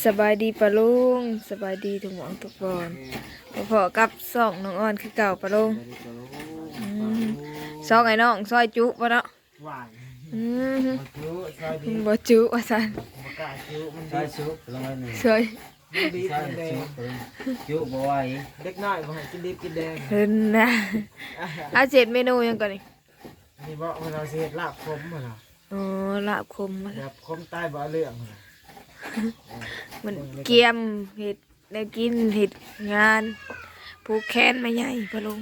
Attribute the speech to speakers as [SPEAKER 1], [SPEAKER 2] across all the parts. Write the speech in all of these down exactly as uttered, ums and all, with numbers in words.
[SPEAKER 1] สบายดีปะลุงสบายดีทุกหมองทุกบอนพอๆกับสองน้องอ่อนคือเก่าปะลุงอืมซองไอ้น้องซอยจุปะเนาะ
[SPEAKER 2] หวาน
[SPEAKER 1] อืม
[SPEAKER 2] มาจุซอยดี
[SPEAKER 1] บ่จุว่าซั่น
[SPEAKER 2] มากาจุมัน
[SPEAKER 3] ใช่
[SPEAKER 2] ดี
[SPEAKER 3] ชุบลงไปหนึ่ง
[SPEAKER 1] ซอย
[SPEAKER 2] มันดี
[SPEAKER 3] ใช่
[SPEAKER 2] มันแด
[SPEAKER 3] ชุ
[SPEAKER 2] ง
[SPEAKER 3] บจุบไหว
[SPEAKER 2] เล็กน้อยบ่ให้กินดิบกินแดง
[SPEAKER 1] เพิ่นนะอาเจ็ดเมนูหยังก่อนนี่
[SPEAKER 2] นี่บ่เวลาสิเฮ็ดลาบขมหั่นน่ะ
[SPEAKER 1] อ๋อลาบคมมา
[SPEAKER 2] แบบขมใต้บ่เอาเรื่องหั่นน่ะ
[SPEAKER 1] มันเกียมเห็ดได้กินเห็ดงานผูกแขนมาใหญ่ปะลุง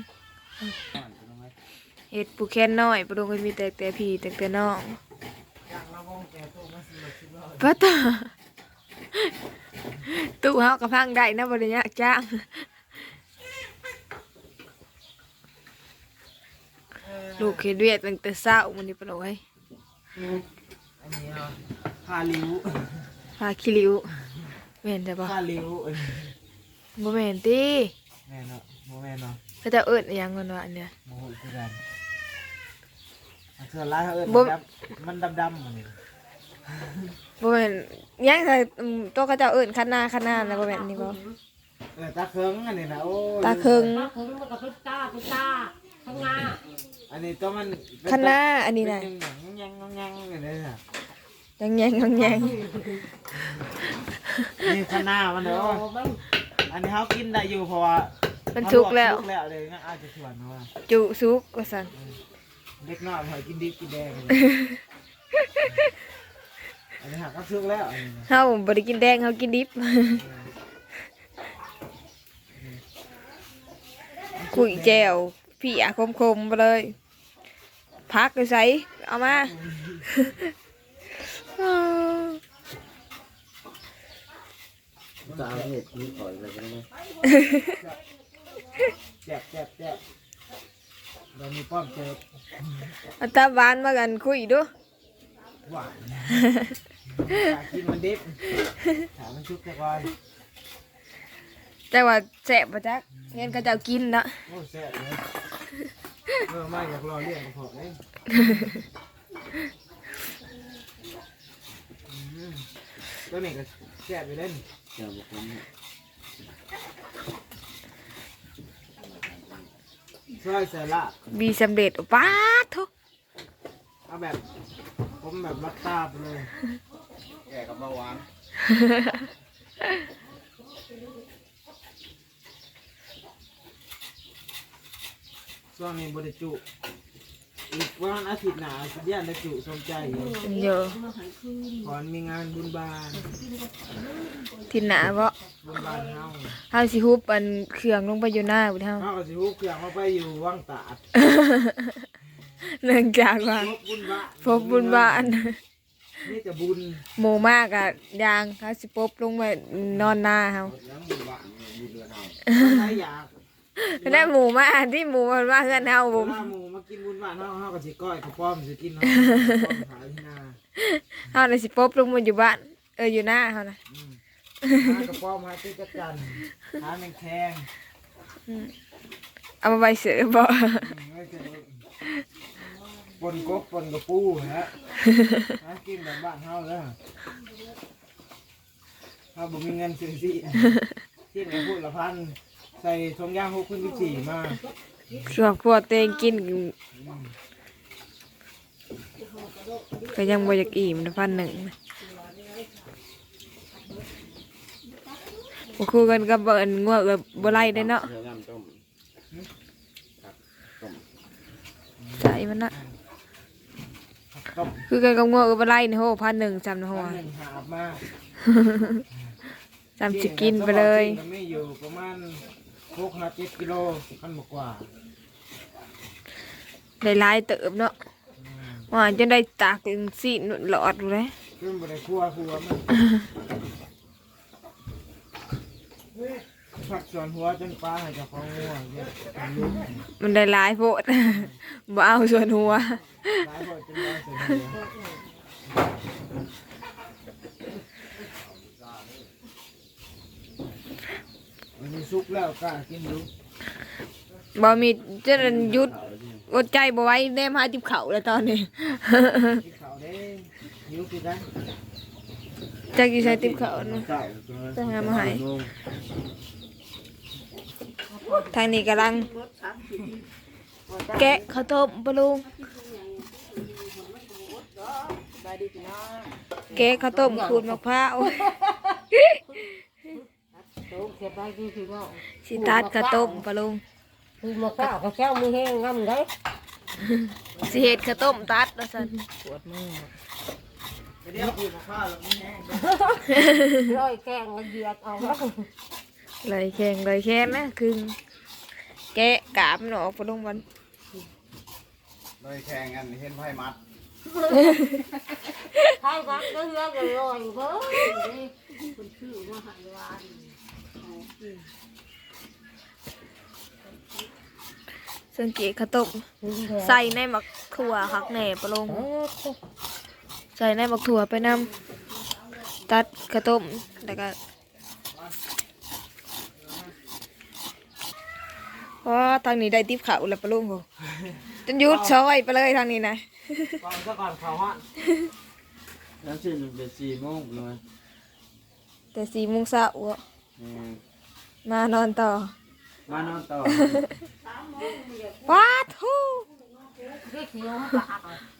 [SPEAKER 1] เห็ดผูกแขนน้อยปะลุงก็มีแต่แต่พี่แต่แต่น้อง
[SPEAKER 2] อยากละวงแก่ตู้มาสิบ่คิดว่า
[SPEAKER 1] ป้าตาตู้เฮากระพังได้นะบริญญากจ้างลูกเห็ดเวียดตั้งแต่เช้ามันนี่ปะลุงเอ้ย
[SPEAKER 2] อันนี้เนาะผ้าลิ้ว
[SPEAKER 1] พาคิริวแม่นจ้ะปะ
[SPEAKER 2] ผ้าลิ้วเอ้ย
[SPEAKER 1] บ่แม่นติ
[SPEAKER 2] แม่เนาะบ่แม่เนาะ
[SPEAKER 1] เขาจะเอิ้นอิหยังกันวะอันเนี้ย
[SPEAKER 2] บ่ฮู้คือกันอันเทื่อหลายเขาเอิ้น
[SPEAKER 1] บ่
[SPEAKER 2] ดำมันดำๆมันนี่
[SPEAKER 1] บ่แม่นอิหยังค่ะอืมตัวเขาเจะเอิ้นคันนาคันนาแล้วบ่แม่นนี่บ่
[SPEAKER 2] เออตาเคิงอันนี้นะโอ้ย
[SPEAKER 1] ตาเคิง
[SPEAKER 4] ตาคงมันกับตุ๊กตาตุ๊กตาข้างหน้า
[SPEAKER 2] อันนี้ตัวมันเป็
[SPEAKER 1] คันนาอันนี้น่ะ
[SPEAKER 2] เป็นยังยังยังยังอย่างนี้น่ะ
[SPEAKER 1] ยังแยงยังแยง
[SPEAKER 2] นี่ข้างหน้ามันเด้อ
[SPEAKER 4] โอ้มัน
[SPEAKER 2] อันนี้เขากินได้อยู่เพราะว่า
[SPEAKER 1] มันสุกแล้ว
[SPEAKER 2] สุกแล้วเลยงั้นอาจจะชวนว่า
[SPEAKER 1] จุสุกว่าซั่น
[SPEAKER 2] เด็กน้อยหอยกินดิบกินแดงเลยอันนี้หากก็สุกแล้วอันนี้นะ
[SPEAKER 1] เฮาบ่ได้กินแดงเฮากินดิบคุยแจวพี่อาคมๆไปเลยพักเลยใส่เอามา
[SPEAKER 3] จะเอาเห็ดนี้ก่อนเลยใช่ไหม
[SPEAKER 2] แจ๊บแจ๊บแจ๊บเรามีป้อมเจอ
[SPEAKER 1] เอาตาหวานมากันคุยดู
[SPEAKER 2] หวานอยากกินมันดิบถามมันชุกแค่ก่อน
[SPEAKER 1] แต่ว่าแซ่บบ่จักเห็นเขาเจ้ากินเนาะ
[SPEAKER 2] โอ้แซ่บเลยเออไม่อยากรอเรียกกระเพาะเลยอืมตัวนี้ก็แซ่บไปเล่น
[SPEAKER 3] เจ้าบุคคล
[SPEAKER 2] ซอยใส่ลาบ
[SPEAKER 1] บีสำเร็จป้าดทุก
[SPEAKER 2] เอาแบบผมแบบมัดตาไปเลย
[SPEAKER 3] แก่กับเบาหวาน
[SPEAKER 2] ช่วงนี้บริจุ อีกวันอาทิตย์หน้าสัญญาณได้จุสมใจอยู่
[SPEAKER 1] เยอะ
[SPEAKER 2] ขอนมีงานบุญบาน
[SPEAKER 1] ที่หนาบ่
[SPEAKER 2] บุญบานเฮา
[SPEAKER 1] เฮาสิฮุบอันเครื่องลงไปอยู่หน้าบ่เฮา
[SPEAKER 2] เฮาก็สิฮู้เครื่องมาไปอยู่วังตาด
[SPEAKER 1] เนื่องจากว่า
[SPEAKER 2] พบบุญบาน
[SPEAKER 1] พบบุญบ้าน
[SPEAKER 2] นี่จะบุญ
[SPEAKER 1] หมู่มากอะยางเฮาสิปบลงไปนอนหน้าเฮา
[SPEAKER 3] ยังบุญบ้านบุญเรือนเอา
[SPEAKER 2] ใครอยาก
[SPEAKER 1] ได้หมู่มาที่หมู่มันมาเฮือนเฮา
[SPEAKER 2] เว
[SPEAKER 1] บ่
[SPEAKER 2] ลาหมูมากินบุญบานเฮาเฮาก็สิก้อยข้าวป้อมสิกินเฮาป้อมขายที่นา
[SPEAKER 1] เฮาน่ะสิปบลงมาอยู่บ้านเอออยู่หน้าเฮานะ
[SPEAKER 2] อืมหากระป้อมหาตื้อจักจันหาแมงแคง
[SPEAKER 1] เอามาไว้เสือบ่
[SPEAKER 2] อืมไม่ใช่ปนกบปนกระปูฮะหากินแบบบ้านเฮาเด้อเฮาบ่มีเงินซื้อสิที่ไหนพูดละพันใส่ทงยางหกขึ้นสิบสี่มา
[SPEAKER 1] ครอบครัวตัวเองกินก็ยังบ่อยากอิ่มนะพันหนึ่งนะบ่คู่กันกับเบิ่นงัวเออบ่ไล่ได้เนาะ
[SPEAKER 3] เรืองามต้มต้ม
[SPEAKER 1] ใจมันน่ะ
[SPEAKER 2] ต้ม
[SPEAKER 1] คือกันกับงัวเออบ่ไล่นี่โหพันหนึ่งจำนะโห
[SPEAKER 2] พันหนึ่งหาบมา
[SPEAKER 1] จำสิกินไปเลย
[SPEAKER 2] มันไม่อยู่ประมาณหกห้าเจ็ดกิโลขั้นกว่า
[SPEAKER 1] ได้หลายเติบเนาะว่าจนได้ตากถึงสี่หลอดอยู่เลย
[SPEAKER 2] ขึ้นบริครัวครัวมันผักส่วนหัวจนปลาให้เจ้าของงัวเนี่ยลูก
[SPEAKER 1] มันได้หลายโพด บ่เอาส่วนหัว
[SPEAKER 2] หลายคนจนได้เสียเดียวมันมีซุกแล้วกล้ากินดู
[SPEAKER 1] บ่มีจะหยุดอดใจบ่ไหว้แนมหาติบเขาแล้วตอนนี้
[SPEAKER 2] กินข้าวเด้หิวกินได้
[SPEAKER 1] จักอยู่ใช้ติ๊บเขาเนาะ
[SPEAKER 3] เก้า
[SPEAKER 1] จะหามาให้ทางนี้กำลังแกะข้าวต้มปะลุงแกะข้าวต้มขูดมะพร้าว
[SPEAKER 4] โตเก็บไว้ดีพี่น้อง
[SPEAKER 1] สิตัดข้าวต้มปะลุง
[SPEAKER 4] คือมาข้าวเขาแก้วมือแห้งงำได้
[SPEAKER 1] สิเฮ็ดข้าวต้มตัดว่าซั่น
[SPEAKER 4] ปวดมือ
[SPEAKER 2] เดี๋ยวกินข้าวแล้วมันแห้ง
[SPEAKER 4] ร้อยแกงละเอียดเอาแล้ว
[SPEAKER 1] เลยแข็งเลยแข็งนะคือแกะกาบมันออกปะลุงวัน
[SPEAKER 3] เลยแข่งกันเห็นไพ่มัด
[SPEAKER 4] ใครรักก็เลือกเลยลอยเบ้อคุณชื่อมาหายวาน
[SPEAKER 1] สังเกตข้าวต้มใส่ในหมักถั่วคักแหน่ปะลุงใส่ในหมักถั่วไปนำตัดข้าวต้มแล้วก็เพราะทางนี้ได้ติ๊บเขาแล้วปะลุงโหจนหยุดซอยไปเลยทางนี้นะ
[SPEAKER 2] ก่อนซะก่อนเขาฮะ
[SPEAKER 3] แล้วสี่หนึ่งเป็นสี่โมงเลย
[SPEAKER 1] แต่สี่โมงเช้าอะมานอนต่อ
[SPEAKER 3] มานอนต่อ
[SPEAKER 1] ว้าทู
[SPEAKER 4] เรียกเสียงปาก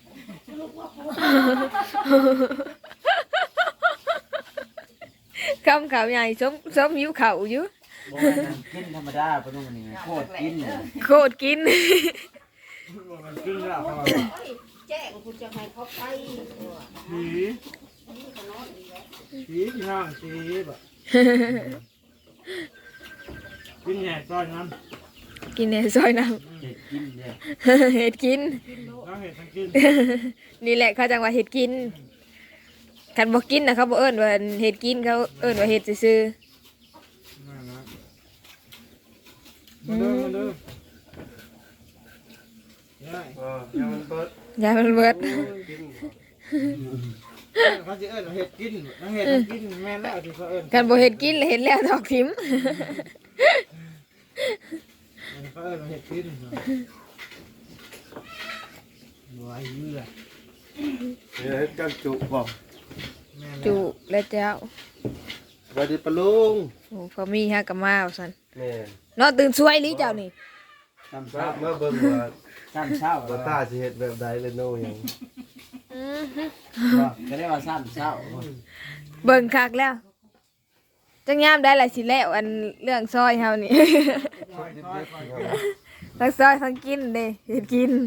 [SPEAKER 1] คำเขาใหญ่ส้มส้มหิวเขาอยู่
[SPEAKER 3] โอ้ยนั่นกินธรรมดาปะนุ่มนี่โคตรกินเลย
[SPEAKER 1] โคตรกิน
[SPEAKER 2] มันกินแล้วเขา
[SPEAKER 4] แจ้งคุณจะให้เขาไป
[SPEAKER 2] ผีผีพี่น้องผีแบบกินแหน่ซอยนั้น
[SPEAKER 1] กินในซอยน้
[SPEAKER 3] เด็ดกินเนี่ย
[SPEAKER 1] ำ เห็ดกิน
[SPEAKER 2] น้องเห็ดทั้งกิน
[SPEAKER 1] นี่แหละเขาจังว่าเห็ดกินคันบอกกินนะเขาบอกเอิ้นว่าเห็ดกินเขาเอิ้นว่าเห็ดซื่อ
[SPEAKER 2] นั่นนะมาเด้อมาเด้อได้
[SPEAKER 3] เออยังมันเปิด
[SPEAKER 1] ๆอย่ามันเบิด
[SPEAKER 3] กิน
[SPEAKER 2] เขาจะเอิ้นว่าเห็ดกินน้องเห็ดทั้งกินแม่นแล้วที่เขาเอิ้น
[SPEAKER 1] คันบอกเห็ดกินแล้วเห็ดแล้วดอกทิม
[SPEAKER 2] เขาเอิ้นว่าเห็ดกินหัวเยื่อ
[SPEAKER 3] เนี่ยจังจุบอก
[SPEAKER 2] แม่นแล้ว
[SPEAKER 1] จุและเจ้า
[SPEAKER 3] สวัสดีปะลุง
[SPEAKER 1] โอ้พอมีฮะกับมาเอาสัน
[SPEAKER 3] แม่
[SPEAKER 1] นอนตื่นช่วยหรือเจ้านี่
[SPEAKER 3] ทำเช้าเมื่อเบิ่งว่าซ้ำเช้าว่าตาสิเฮ็ดแบบใดเลยโน่ยังก็ได้ว่าซ้ำเช้า
[SPEAKER 1] เบิ่งคักแล้วจังยามได้หลายสิแล้วอันเรื่องซอยเฮานี่ ทั้งซอยทั้งกินเด้เห็ดกิน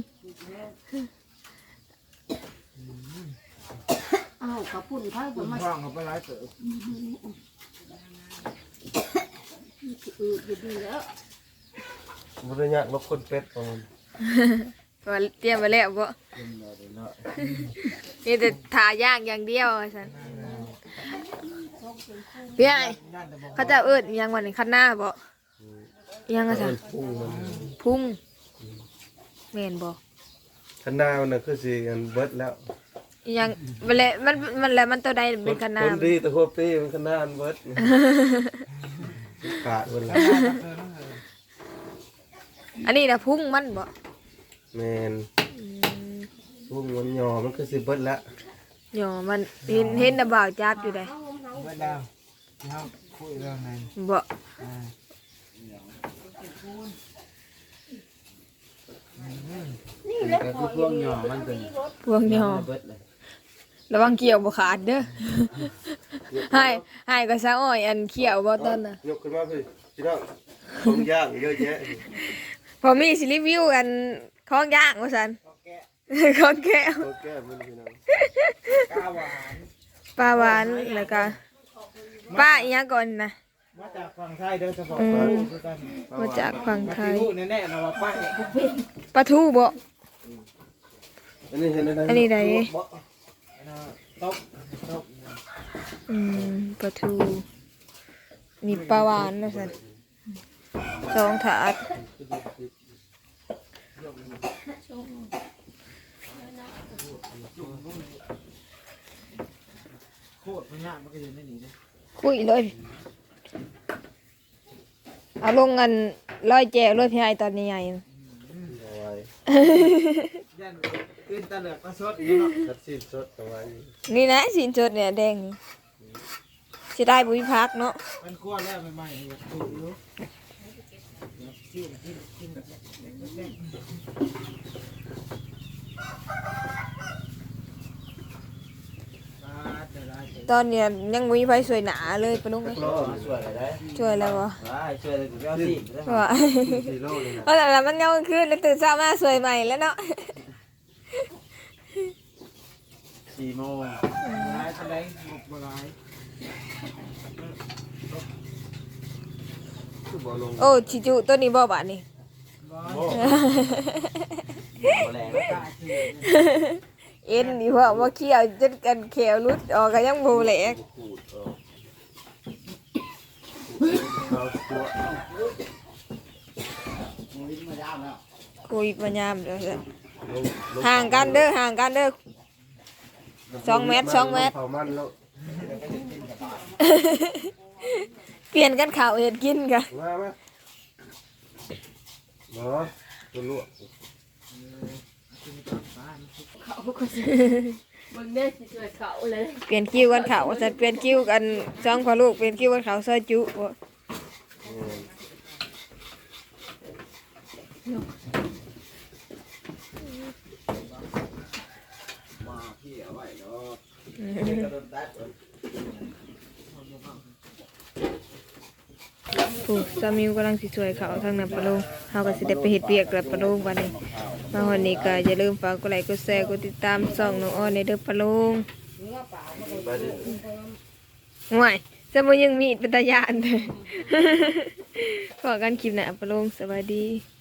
[SPEAKER 4] อ้าวกระปุ่นไทย
[SPEAKER 2] คุ
[SPEAKER 4] จะ
[SPEAKER 2] ณ
[SPEAKER 4] มา
[SPEAKER 2] พ่องเขาไปไล่เติบ
[SPEAKER 4] อืดอยู่ดีแล้ว
[SPEAKER 3] บ่ได้ยากลบคนเป็ดของมัน
[SPEAKER 1] ว่าเตรียมไว้แล้วบ่มีแต่ทาย่างอย่างเดียวว่าซั่นพี่ไอ้เขาเจะเอิ้นอิหยังวันนี้คันหน้าบ่อิหยังอะซั่น
[SPEAKER 3] พุ่งมัน
[SPEAKER 1] พุ่งแม่นบ่
[SPEAKER 3] คันหน้ามันน่ะคือสิอันเบิดแล้ว
[SPEAKER 1] อิหยังมันแหละมันมันแหละมันตัวใดเป็นคันหน้า
[SPEAKER 3] คนดีแต่หัวปีมันคันหน้ามันเบิดขาดเบิดแล้ว
[SPEAKER 1] อันนี้น่ะพุ่งมันบ่
[SPEAKER 3] แม่นพุ่งมันหย่อมันคือสิเบิดแล้ว
[SPEAKER 1] หยอมันเห็นเห็นน่ะบ่าวจับอยู่ได้
[SPEAKER 2] เมื่อดาวที่เขาคุยเรื่องนั้น
[SPEAKER 1] บ่
[SPEAKER 2] อ่า
[SPEAKER 3] แต่คือพวกหย่อมันเป็น
[SPEAKER 1] พวงหยอ
[SPEAKER 3] เบิดเลย
[SPEAKER 1] ระวังเกี่ยวบ่ขาดเด้อ ให้ให้ก็ซะอ้อยอันเกี่ยวบ่ตอนน่ะ
[SPEAKER 3] ยกขึ้นมาพี่พี่น้องของย่างเยอะแยะ
[SPEAKER 1] พอมีสิรีวิวอันของย่างว่าซั่น
[SPEAKER 2] เขาแกะ
[SPEAKER 1] ของแก้ว
[SPEAKER 3] ตัวแก้มันพี่น้อง
[SPEAKER 2] กาหวาน
[SPEAKER 1] ปลาหวานแล้วก็ปลาอีหยังก่อนนะ
[SPEAKER 2] มาจากฝั่งไทยเด้อเฉพาะ
[SPEAKER 1] อืม
[SPEAKER 2] ปลาลูกคือกัน
[SPEAKER 1] มาจากฝั่ง
[SPEAKER 2] มา
[SPEAKER 1] ไท
[SPEAKER 2] ที่
[SPEAKER 1] ย
[SPEAKER 2] ลูกแน่ๆนะว่าป้า
[SPEAKER 1] ปลาทูบ่
[SPEAKER 3] อันนี้เห็นอะไร
[SPEAKER 1] อันนี้ใด
[SPEAKER 2] ตบตบ
[SPEAKER 1] อืมปลาทูนี่ปลาหวานว่าซั่นสองถาด
[SPEAKER 2] โคตรมันยากมันก็อยู่ในนี้เด้อ
[SPEAKER 1] คุยเลยเอาลงกันร้อยแจวร้อยพี่ไอตอนนี้ใหญ่
[SPEAKER 3] เอาไว้
[SPEAKER 2] ยันตื่นตะเหลือกตะสดอยู่เนาะ
[SPEAKER 3] คัดซีนสดเอาไว้
[SPEAKER 1] นี่นะสินสดเนี่ยแดง
[SPEAKER 3] อืม
[SPEAKER 1] สิได้บุญพักเนาะ
[SPEAKER 2] มันกลัวแล้วใหม่ๆอยากถูกอยู่กินกินกินแบบ
[SPEAKER 1] ตอนเนี้ยยังบ่มีไฟสวยหนาเลยปะลุงเอ้ย
[SPEAKER 3] โลสวยเลยได้
[SPEAKER 1] ช่วยแล้วบ่
[SPEAKER 3] ว้ายช่วยเลยกูเอาสิ
[SPEAKER 1] ว่า
[SPEAKER 3] สี่โลเลยนะ
[SPEAKER 1] เพราะแต่ละมันยังขึ้นแล้วตื่นเช้ามาสวยใหม่แล้วเนาะ
[SPEAKER 3] สี่โมง
[SPEAKER 2] ร้ายทะเลหมกบร้าย
[SPEAKER 3] คือบ่ลง
[SPEAKER 1] โอ้ชิจุตัวนี้บ่บาดนี่
[SPEAKER 2] ร้อย
[SPEAKER 3] โอ้บ่แรง
[SPEAKER 2] กล้าเชื่อ
[SPEAKER 1] เอ็นนี่ว่าว่าเขี้ยวจนกันแขวรุดออกก็ยังบ่แหลก
[SPEAKER 3] ขูดออกเอาตัว
[SPEAKER 1] คุยปัญญามเด้อ
[SPEAKER 3] ลงล
[SPEAKER 1] ห่างกันเด้อห่างกันเด้อ สองเมตรสองเมตร
[SPEAKER 3] เผามันแล้ว
[SPEAKER 1] เปลี่ยนกันข่าวเห็ดกินกัน
[SPEAKER 3] มามาเนาะตัวลวก
[SPEAKER 4] เขาก็สิมึงเนี่ยสิช่วยเขาเลย
[SPEAKER 1] เปลี่ยนคิวกันข่าวจะเปลี่ยนคิวกันจ้องพอลูกเปลี่ยนคิวกันข่าวซอยจุบ่
[SPEAKER 3] เออ มาพี่เอาไว้เนาะเดี๋ยวกระโดดตัดก่อน
[SPEAKER 1] ผู้สามีกำลังสิสวยเขาทางนั้นปะลุงเฮาก็สิได้ไปเฮ็ดเวียกแล้วปะลุงวันนี้มาวันนี้ก็อย่าลืมฝากกดไลค์กดแชร์กดติดตามช่องน้องอ้อนในเด้อปะลุง
[SPEAKER 3] ไปดิ
[SPEAKER 1] ห่วยจะบ่ยังมีดเป็นตาย่าน เด้อ ขอกันคลิปหน้าปะลุงสวัสดี